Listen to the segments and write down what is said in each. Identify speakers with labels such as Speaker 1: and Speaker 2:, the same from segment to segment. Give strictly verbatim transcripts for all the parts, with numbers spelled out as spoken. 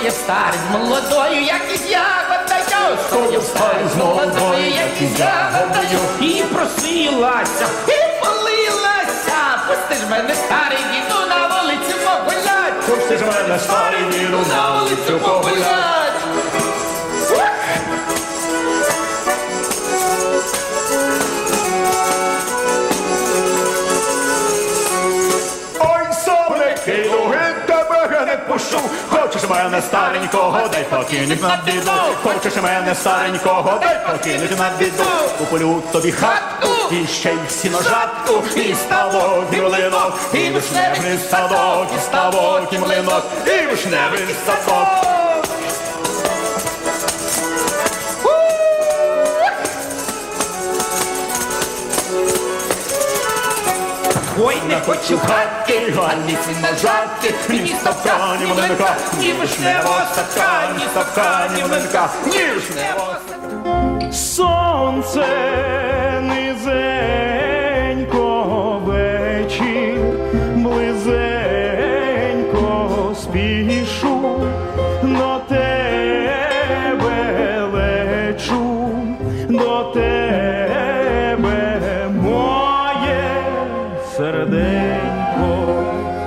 Speaker 1: Стояв старий з молодою, як із ягодою. Стояв старий з молодою, як із ягодою. І просилася, і молилася. Пусти ж мене, старий діду, на вулицю погулять.
Speaker 2: Пусти ж мене, старий діду, на вулицю погулять. Ой, соники, луги, тебе я не пущу. Хочеш мене старенького, дай покинуть на біду. Хочеш мене старенького, дай покинуть на біду. Куплю тобі хатку, і ще й сіножатку, і ставок, і млинок, і вишневий садок, і ставок, і млинок, і вишневий садок.
Speaker 1: Ой, не хочу хатки, ані сіножатки, ні ставка, ні млинка, ні вишневого садка, ні ставка, ні млинка, ні вишневого садка.
Speaker 2: Сонце низенько, вечір близенько, спішу до тебе лечу, до тебе моє серденько.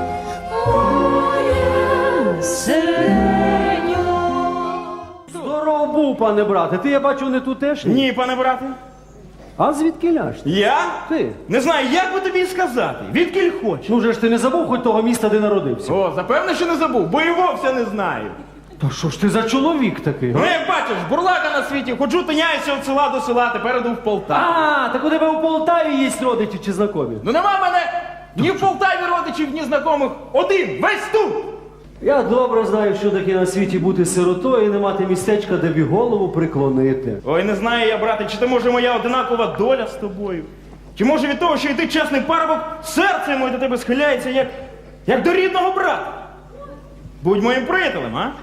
Speaker 3: Моє серденько.
Speaker 4: Здоров був, пане брате. Ти, я бачу, не тутешній.
Speaker 2: Ні, пане брате.
Speaker 4: А звідки ляж?
Speaker 2: Я?
Speaker 4: Ти.
Speaker 2: Не знаю, як би тобі сказати. Відкіль хочеш.
Speaker 4: Ну вже ж ти не забув хоч того міста, де народився?
Speaker 2: О, запевне, що не забув, бо і вовсе не знаю.
Speaker 4: Та що ж ти за чоловік такий?
Speaker 2: Ну, як бачиш, бурлака на світі, ходжу, тиняюся від села до села, тепер іду в Полтаву.
Speaker 4: А, так у тебе у Полтаві є родичі чи знайомі?
Speaker 2: Ну нема в мене ні в Полтаві родичів, ні знайомих. Один, весь тут.
Speaker 4: Я добре знаю, що таке на світі бути сиротою і не мати містечка, де б і голову приклонити.
Speaker 2: Ой, не знаю я, брате, чи то може моя одинакова доля з тобою? Чи може від того, що і ти чесний парубок, серце моє до тебе схиляється, як, як до рідного брата? Будь моїм приятелем, а?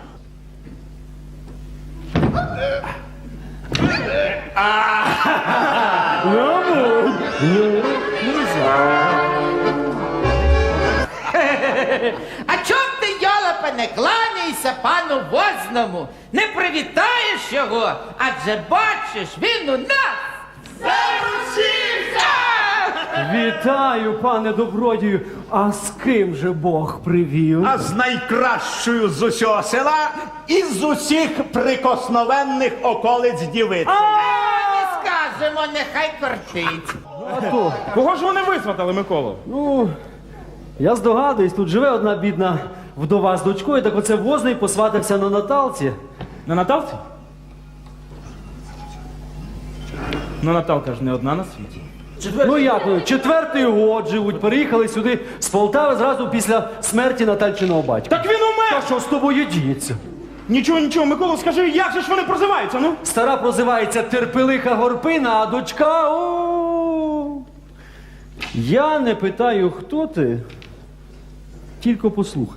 Speaker 1: А чом ти, йолопа, не кланяйся пану Возному? Не привітаєш його? Адже бачиш, він у нас заручився!
Speaker 4: Вітаю, пане добродію. А з ким же Бог привів?
Speaker 5: А з найкращою з усього села і з усіх прикосновенних околиць дівиці.
Speaker 1: Не скажемо, нехай кортить.
Speaker 4: А то,
Speaker 2: Кого ж вони висватали, Миколо?
Speaker 4: ну, я здогадуюсь, тут живе одна бідна вдова з дочкою, так оце Возний посватався на Наталці.
Speaker 2: На Наталці? Ну, Наталка ж не одна на світі.
Speaker 4: Ну як, ну, четвертий год живуть, переїхали сюди з Полтави зразу після смерті Натальчиного батька.
Speaker 2: Так він умер!
Speaker 4: Та що з тобою діється?
Speaker 2: Нічого, нічого, Микола, скажи, як же ж вони прозиваються, ну?
Speaker 4: Стара прозивається Терпелиха Горпина, а дочка, о. Я не питаю, хто ти, тільки послухай.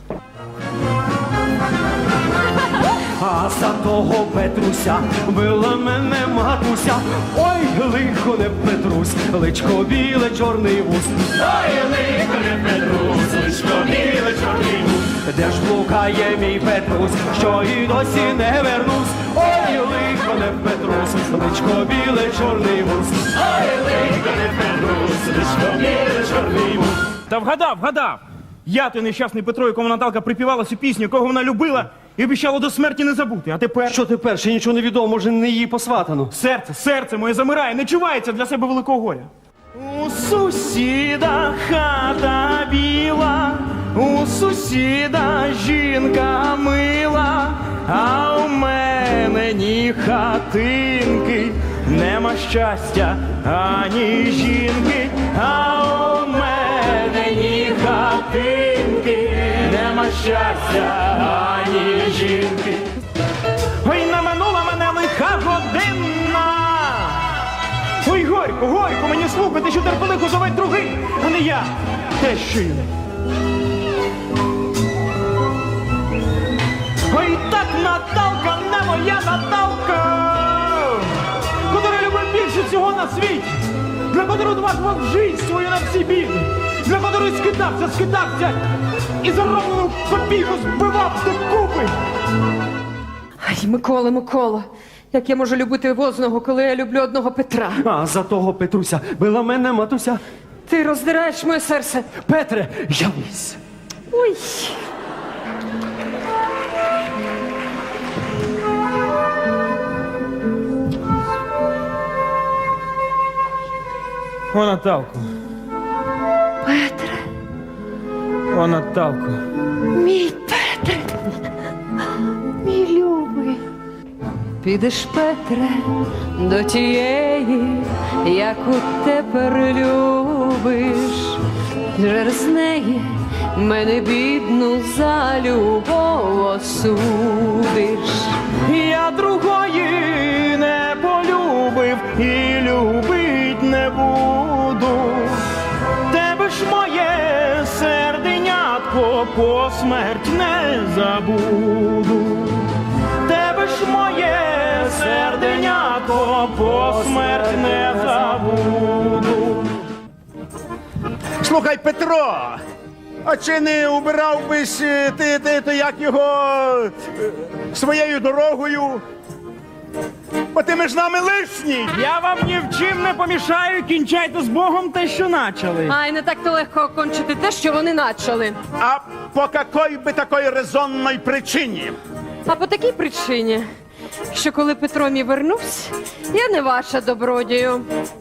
Speaker 4: А за того Петруся била мене матуся. Ой, лихо не Петрусь, личко біле, чорний вуз. Ой, лихо не Петрусь, личко біле, чорний вуз. Де ж блукає мій Петрусь, що і досі не вернусь. Ой, лихо не Петрусь, личко біле, чорний вуз. Ой, лихо не Петрусь, личко біле, чорний вуз.
Speaker 2: Та вгадав, вгадав. Я той нещасний Петро, якому Наталка припівала цю пісню, якого вона любила і обіцяла до смерті не забути. А тепер...
Speaker 4: Що тепер? Ще нічого не відомо, може не її посватано.
Speaker 2: Серце, серце моє замирає, не чувається для себе великого горя. У сусіда хата біла, у сусіда жінка мила, а у мене ні хатинки, нема щастя ані жінки, а у мене ні хатинки, нема щастя ані жінки. Ой, наминула мене лиха година. Ой, горько, горько, мені слухати, що Терпелиху зове другий, а не я, тещою. Ой, так Наталка, не моя Наталка, котра любить більше всього на світі, для котрої відважував жизнь свою на всі біди, для котрої скидався, скидався і зароблену копійку збивав до купи.
Speaker 3: Микола, Микола, як я можу любити Возного, коли я люблю одного Петра?
Speaker 4: А за того Петруся била мене матуся.
Speaker 3: Ти роздираєш моє серце.
Speaker 4: Петре, явись.
Speaker 3: Ой.
Speaker 6: О, Наталко.
Speaker 3: Петре,
Speaker 6: О, Наталко.
Speaker 3: мій Петре, мій любий. Підеш, Петре, до тієї, яку тепер любиш. Через неї мене бідну за любов осудиш.
Speaker 4: Я другої не полюбив і любить не буду. Тебе ж моє серденятко по смерть не забуду. Тебе ж моє серденятко по смерть не забуду.
Speaker 5: Слухай, Петро, а чи не убирав бись е, ти, ти, ти як його е, своєю дорогою? Бо ти між нами лишній.
Speaker 6: Я вам ні в чим не помішаю, кінчайте з Богом те, що начали.
Speaker 3: Ай, не так-то легко окончити те, що вони начали.
Speaker 5: А по какой би такої резонної причині?
Speaker 3: А по такій причині, що коли Петро мій вернувся, я не ваша добродію.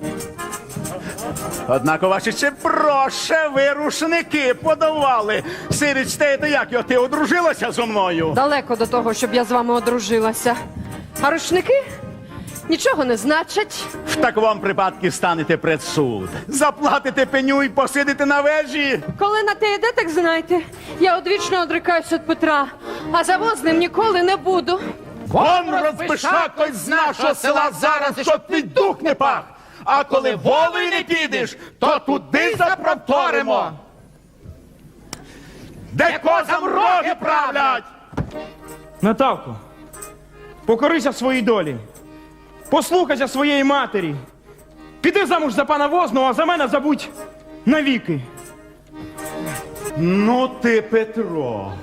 Speaker 5: Однак ваші ще проще ви рушники подавали. Сирич, те, то як його, ти одружилася зо мною?
Speaker 3: Далеко до того, щоб я з вами одружилася. А рушники нічого не значать.
Speaker 5: В такому випадку станете пред суд. Заплатите пеню і посидите на вежі.
Speaker 3: Коли на те йде, так знайте, я одвічно одрикаюсь від Петра, а за Возним ніколи не буду.
Speaker 5: Вон розбишакось з нашого села зараз, щоб твій дух не пах. А коли волею не підеш, то туди запроторимо. Де козам роги правлять?
Speaker 6: Наталко, покорися своїй долі. Послухайся своєї матері. Піди замуж за пана Возного, а за мене забудь навіки.
Speaker 5: Ну ти, Петро.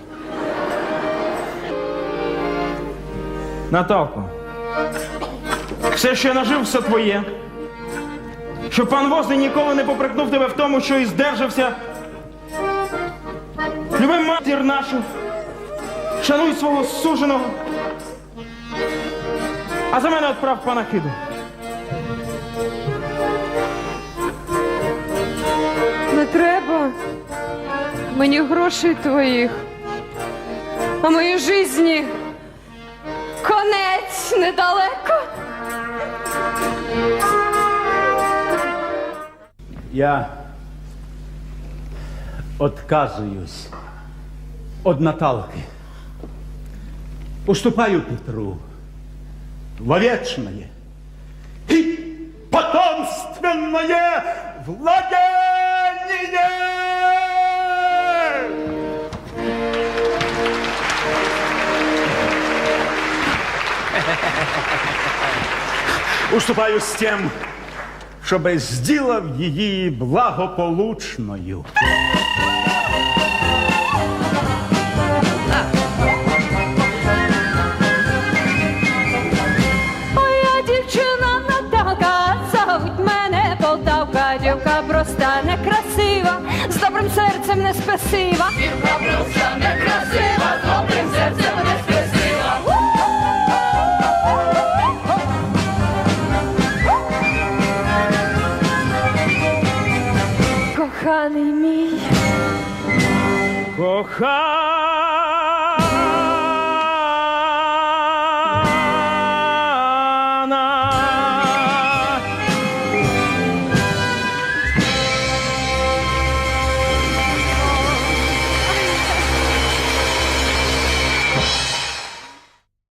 Speaker 6: Наталко, все, що я нажив, все твоє. Щоб пан Возний ніколи не попрекнув тебе в тому, що і здержався. Люби матір нашу, шануй свого суженого. А за мене відправ панахиду.
Speaker 3: Не треба мені грошей твоїх, а моїй житті конець недалеко.
Speaker 5: Я отказуюсь от Наталки. Уступаю Петру во вечное и потомственное владение. Уступаю с тем, чтобы сделав її благополучною.
Speaker 3: Моя дівчина Наталка, зовуть мене Полтавка, дівка проста, некрасива, з добрим серцем не спесива. Дівка проста, некрасива, з добрим серцем не спесива. Коханий мій,
Speaker 6: Коханий